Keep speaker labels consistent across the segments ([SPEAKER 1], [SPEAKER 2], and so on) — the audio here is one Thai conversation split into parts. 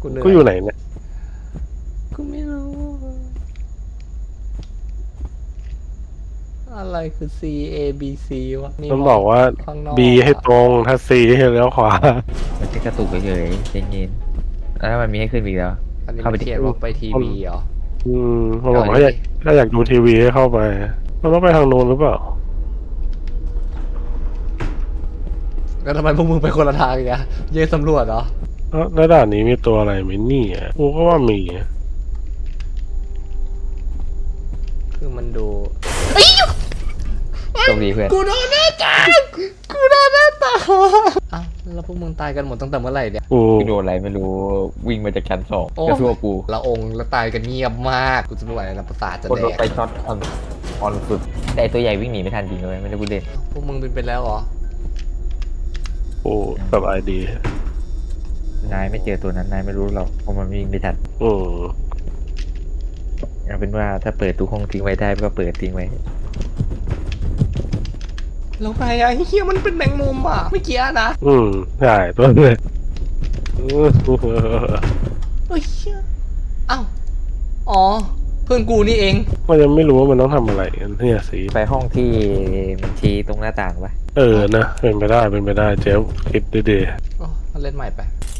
[SPEAKER 1] กูอยู่ไหนเนี่ย
[SPEAKER 2] กูไม่รู้อะไรคือ C A B C วะ
[SPEAKER 1] มันบอกว่า
[SPEAKER 2] ข้างนอก
[SPEAKER 1] B ให้ตรงถ้า C ให้เลี้ยวขวา
[SPEAKER 3] มันแค่กระตุกเฉยๆใจเย็นแล้วมันมีให้ขึ้นอีกแล้ว
[SPEAKER 2] อันนี้
[SPEAKER 3] เข้าไป
[SPEAKER 2] มัน
[SPEAKER 3] ดิ
[SPEAKER 2] เขียนว่าไปทีวีเหรอ
[SPEAKER 1] มันบอกว่าถ้าอยากดูทีวีให้เข้าไปมันต้องไปทางโน้นหรือเปล่า
[SPEAKER 2] แล้วทำไมพวกมึงไปคนละทางอย่างเงี้ยเย่สำรวจเหรอ
[SPEAKER 1] แล้วด่านนี้มีตัวอะไรไหมนี่อ่ะกูก็ว่ามี
[SPEAKER 2] คือมันดู
[SPEAKER 3] โชคดีเพื่อน
[SPEAKER 2] กูโดนหน้าตากูโดนหน้าตาอ้าวแล้วพวกมึงตายกันหมดตั้งแต่เมื่อไหร่เนี่ย
[SPEAKER 1] กู
[SPEAKER 3] กูโดนอะไรไม่รู้วิ่งมาจากชั้นสอง
[SPEAKER 2] โอ้
[SPEAKER 3] กระซัวกู
[SPEAKER 2] ละองค์แล้วตายกันเงียบมากกูจะไม่ไหวแล้วประสาทจะ
[SPEAKER 3] คน
[SPEAKER 2] แด
[SPEAKER 3] โดน
[SPEAKER 2] ก
[SPEAKER 3] ไปช็อตออนสุดแต่ไอ้ตัวใหญ่วิ่งหนีไม่ทันจริงเลยไม่ได้พูดเล่น
[SPEAKER 2] พวกมึงเป็นไปแล้วเหรอ
[SPEAKER 1] กูสบายดี
[SPEAKER 3] นายไม่เจอตัวนั้นนายไม่รู้หรอกเพราะมันวิ่งไม่ทัน
[SPEAKER 1] อืม
[SPEAKER 3] เอาเป็นว่าถ้าเปิดตู้ห้องทิ้งไว้ได้ก็เปิดทิ้งไว้
[SPEAKER 2] แล้วไงอะเฮียมันเป็นแมงมุมอ่ะเมื่อกี้นะ
[SPEAKER 1] ใช่ตัวเลย
[SPEAKER 2] เฮ้ยเชี่ยอ้าวอ๋อเพื่อนกูนี่เอง
[SPEAKER 1] มันยังไม่รู้ว่ามันต้องทำอะไรกันเนี่ยสิ
[SPEAKER 3] ไปห้องที่มันชี้ตรงหน้าต่างปะ
[SPEAKER 1] นะเป็นไปได้เจ๊คิดดี
[SPEAKER 2] โอ้มาเล่นใหม่ไป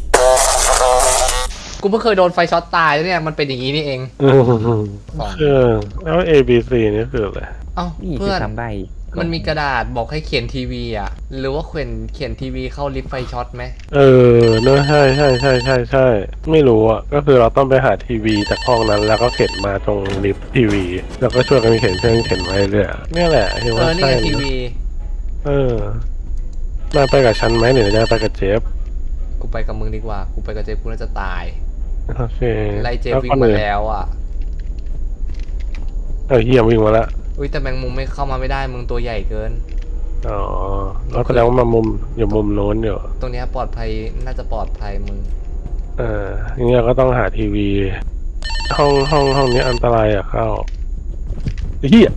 [SPEAKER 2] กูเพิ่งเคยโดนไฟช็อตตายแล้วเนี่ย มันเป็นอย่างนี้นี่เอง
[SPEAKER 1] แล้ว A B C นี่คืออะไร
[SPEAKER 2] เอ้า
[SPEAKER 3] นี่คื
[SPEAKER 2] เพื่
[SPEAKER 3] อ
[SPEAKER 2] อน
[SPEAKER 3] ทำใบ
[SPEAKER 2] มันมีกระดาษบอกให้เขียนทีวีอ่ะ หรือว่าเขียนทีวีเข้าลิฟต์ไฟช็อตไหม
[SPEAKER 1] เนอะใช่ไม่รู้อ่ะก็คือเราต้องไปหาทีวีจากห้องนั้น แล้วก็เข็นมาตรงลิฟต์ทีวี แล้วก็ช่วยกันเข็นไว้เรื่อยเนี่ยแหละที่ว่า
[SPEAKER 2] นี่
[SPEAKER 1] ใช่
[SPEAKER 2] ไงทีวี
[SPEAKER 1] มาไปกับฉันไหมหรือจะไปกับเจฟ
[SPEAKER 2] กูไปกับมึงดีกว่า กูไปกับเจฟกูน่าจะตาย
[SPEAKER 1] โอเค
[SPEAKER 2] ไล่เจฟวิ่งมาแล้วอ่ะ
[SPEAKER 1] เฮียวิ่งมาแล้ว
[SPEAKER 2] อุ้ยแต่แมงมุมไม่เข้ามาไม่ได้มึงตัวใหญ่เกิน
[SPEAKER 1] อ๋อแล้วแสดงว่ามามุมอยู่มุมโน้นอยู่
[SPEAKER 2] ตรงเนี้ยปลอดภัยน่าจะปลอดภัยมึง
[SPEAKER 1] อย่างเงี้ยก็ต้องหาทีวี ห้องนี้อันตรายอะเข้าเฮีย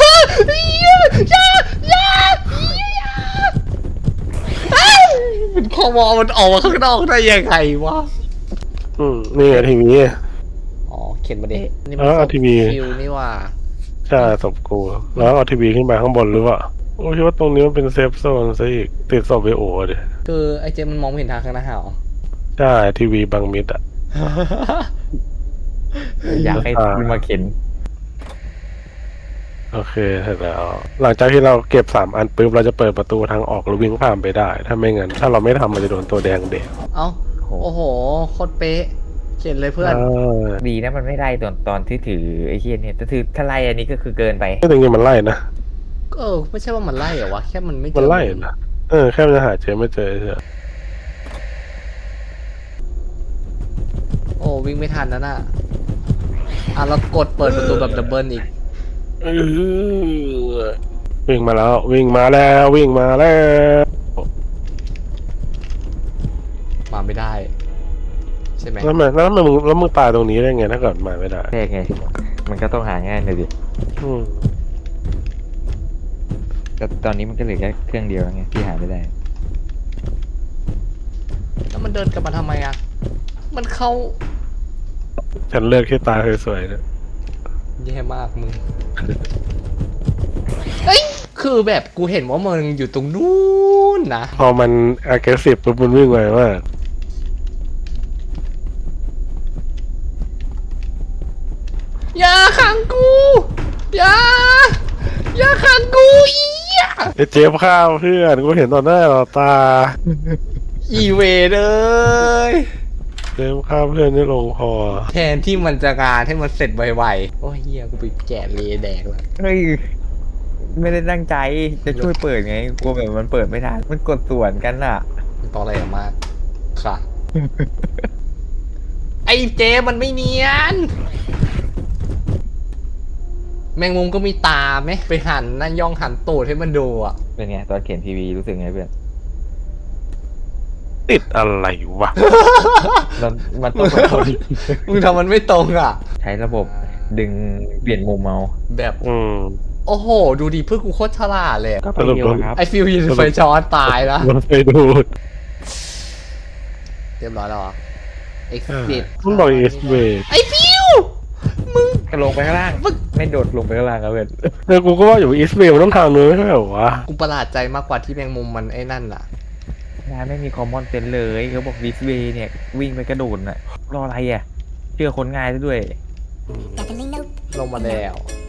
[SPEAKER 2] เป็นคอมอมันออกมาข้างนอกได้ยังไงวะ
[SPEAKER 1] นี่ไงทีวี
[SPEAKER 2] อ๋อเขียนมาดินี่
[SPEAKER 1] เอาทีวี
[SPEAKER 2] คิวนี่ว่า
[SPEAKER 1] ใช่ศพกูแล้วเอาทีวีขึ้นไปข้างบนหรือเปล่าโอ้คิดว่าตรงนี้มันเป็นเซฟโซนซะอีกติดศพไปโอ้ดิ
[SPEAKER 2] คือไอ้เจมมันมองไม่เห็นทางข้างหน้าเหรอ
[SPEAKER 1] ใช่ทีวีบังมิดอ่ะ
[SPEAKER 3] อยากให้คุณมาเข็น
[SPEAKER 1] โอเคเสร็จแล้ว หลังจากที่เราเก็บ3 อันปุ๊บเราจะเปิดประตูทางออกแล้ววิ่งผ่านไปได้ ถ้าไม่งั้นถ้าเราไม่ทำมันจะโดนตัวแดงเด็ก
[SPEAKER 2] เอ้าโอ้โหโคตรเป๊ะเขียนเลยเพื่อน
[SPEAKER 3] ดีนะมันไม่ไล่ตอนที่ถือไอ้เฮียเนี่ยแต่ถือถ้าไล่อันนี้ก็คือเกินไป
[SPEAKER 1] ไม่จริงๆมันไล่นะ
[SPEAKER 2] ไม่ใช่ว่ามันไล่เหรอวะแค่มันไม่เจอ
[SPEAKER 1] มันไล่นะแค่มันจะหาเจไม่เจอเฉย
[SPEAKER 2] โอ้วิ่งไม่ทันนะน่ะแล้วกดเปิดประตูแบบดับเบิลอีก
[SPEAKER 1] วิ่งมาแล้ววิ่งมาแล้ว
[SPEAKER 2] มาไม่ได้ใช่ไหม
[SPEAKER 1] แล้วมึงตายตรงนี้ได้ไงถ้าเกิดมาไม่ได้
[SPEAKER 3] แค่ไง มันก็ต้องหาง่ายหน่อยดิ
[SPEAKER 1] อืม
[SPEAKER 3] แต่ตอนนี้มันก็เหลือแค่เครื่องเดียวไงที่หาไม่ได้
[SPEAKER 2] แล้วมันเดินกลับมาทำไมอ่ะมันเข้า
[SPEAKER 1] ฉันเลือกที่ตาสวยๆนะ
[SPEAKER 2] แย่มากมึงเอ้ยคือแบบกูเห็นว่ามึงอยู่ตรงนู้นนะ
[SPEAKER 1] พอมัน aggressive ปุ๊บมันวิ่งไวมาก
[SPEAKER 2] อย่าขังกูอย่าขังกูอีอะ
[SPEAKER 1] เจฟข้าวเพื่อนกูเห็นต่อหน้าต่อตา
[SPEAKER 2] อีเวเลย
[SPEAKER 1] เจฟข้าวเพื่อนได้ลงคอ
[SPEAKER 2] แทนที่มันจะงานให้มันเสร็จไวๆโอ้ยเฮียกูไปแกะเลแดกแล้ว
[SPEAKER 3] เฮ้ย ไม่ได้ตั้งใจจะช่วยเปิดไงกลัวแบบมันเปิดไม่ทันมันกดส่วนกันอ่ะ
[SPEAKER 2] มันตอแหลมากค่ะ ไอ้เจมันไม่เนียน แมงมุมก็มีตาไหมไปหันนั่นย่องหันตูดให้มันดูอ่ะ
[SPEAKER 3] เป็นไงตอนเขียนทีวีรู้สึกไงเพื่อน
[SPEAKER 1] ติดอะไรวะ
[SPEAKER 3] มันต้องแบบ
[SPEAKER 2] มึงทำมันไม่ตรงอ่ะ
[SPEAKER 3] ใช้ระบบดึงเปลี่ยนมุมเมา
[SPEAKER 2] แบบ
[SPEAKER 1] ๆ
[SPEAKER 2] โอ้โห ดูดิเพื่อนกูโคตรฉลาดเลยอะ
[SPEAKER 3] ก็ไปเร็วครับ
[SPEAKER 2] ไอฟิวยินไฟช้อนตายแล้ว
[SPEAKER 1] มันไปดูด
[SPEAKER 2] เรียบร้อยแล้วเหรอ exit
[SPEAKER 1] มันบอก is way
[SPEAKER 2] ไอ้ฟิวมึง
[SPEAKER 3] ก็ลงไปข้างล่างไม่โดดลงไปข้างล่างครับเพื่อน
[SPEAKER 1] เออกูก็ว่าอยู่ is way มันต้องทางนู้นไม่ใช่เหรอวะ
[SPEAKER 2] กูประหลาดใจมากกว่าที่แมงมุมมันไอ้นั่นล่ะ
[SPEAKER 3] นายไม่มีคอมมอนเซนส์เลยเขาบอกดิสเวย์เนี่ยวิ่งไปกระโดดน่ะรออะไรอ่ะเชื่อคนง่ายซะด้วย
[SPEAKER 2] ลงมาแล้ว